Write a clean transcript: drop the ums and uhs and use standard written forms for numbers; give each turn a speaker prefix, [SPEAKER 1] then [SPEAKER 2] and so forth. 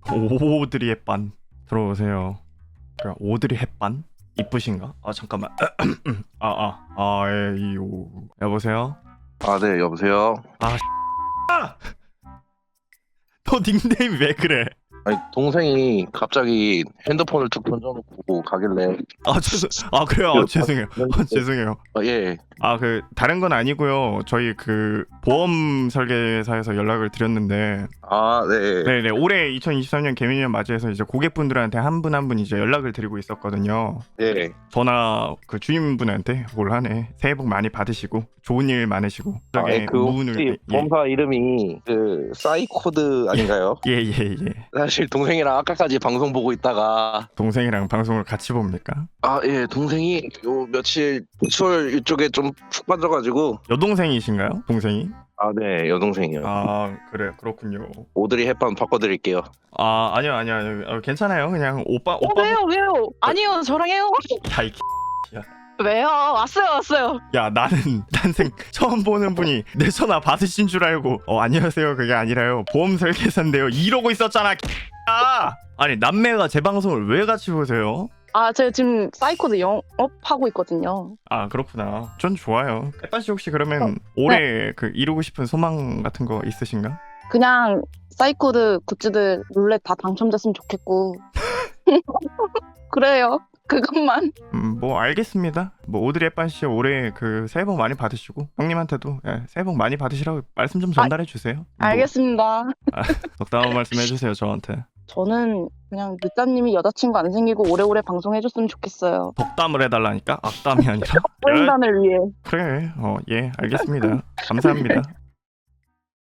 [SPEAKER 1] 오드리 햇반 들어오세요. 그럼 오드리 햇반 이쁘신가? 아 잠깐만. 아아아에이오 여보세요.
[SPEAKER 2] 아, 네, 여보세요.
[SPEAKER 1] 너 닉네임 왜 그래?
[SPEAKER 2] 아니, 동생이 갑자기 핸드폰을 툭 던져놓고 가길래.
[SPEAKER 1] 아 그래요. 죄송해요. 죄송해요.
[SPEAKER 2] 예.
[SPEAKER 1] 그 다른 건 아니고요. 저희 그 보험 설계사에서 연락을 드렸는데
[SPEAKER 2] 아, 네.
[SPEAKER 1] 네네 올해 2023년 개미년 맞이해서 이제 고객분들한테 한 분 한 분 이제 연락을 드리고 있었거든요.
[SPEAKER 2] 네.
[SPEAKER 1] 전화 그 주임분한테 올 한해 새해 복 많이 받으시고 좋은 일 많으시고
[SPEAKER 2] 그 혹시 보험사 이름이 그 사이코드 아닌가요?
[SPEAKER 1] 예예예.
[SPEAKER 2] 사실 동생이랑 아까까지 방송 보고 있다가.
[SPEAKER 1] 동생이랑 방송을 같이 봅니까?
[SPEAKER 2] 아, 예, 동생이 요 며칠 수월 이쪽에 좀 푹 빠져가지고.
[SPEAKER 1] 여동생이신가요? 동생이?
[SPEAKER 2] 아, 네, 여동생이요.
[SPEAKER 1] 아 그래 그렇군요.
[SPEAKER 2] 오드리 햇반 바꿔드릴게요.
[SPEAKER 1] 아니요 괜찮아요. 그냥 오빠
[SPEAKER 3] 왜요? 아니요, 저랑 해요.
[SPEAKER 1] 야이
[SPEAKER 3] 왜요? 왔어요.
[SPEAKER 1] 야 나는 난생 처음 보는 분이 내 전화 받으신 줄 알고 안녕하세요 그게 아니라요 보험 설계사인데요 이러고 있었잖아. 야 아니 남매가 제 방송을 왜 같이 보세요?
[SPEAKER 3] 제가 지금 사이코드 영업하고 있거든요.
[SPEAKER 1] 아 그렇구나. 전 좋아요. 햇반씨 혹시 그러면 올해 그 이루고 싶은 소망 같은 거 있으신가?
[SPEAKER 3] 그냥 사이코드 굿즈들 룰렛 다 당첨됐으면 좋겠고. 그래요. 그것만.
[SPEAKER 1] 뭐 알겠습니다. 뭐 오드리 햇반씨 올해 그 새해 복 많이 받으시고 형님한테도 새해 복 많이 받으시라고 말씀 좀 전달해 주세요.
[SPEAKER 3] 알겠습니다.
[SPEAKER 1] 덕담한 말씀 해주세요 저한테.
[SPEAKER 3] 저는 그냥 늦자님이 여자친구 안 생기고 오래오래 방송해줬으면 좋겠어요.
[SPEAKER 1] 덕담을 해달라니까 악담이 아니라.
[SPEAKER 3] 보인단을 위해.
[SPEAKER 1] 그래 예 알겠습니다. 감사합니다.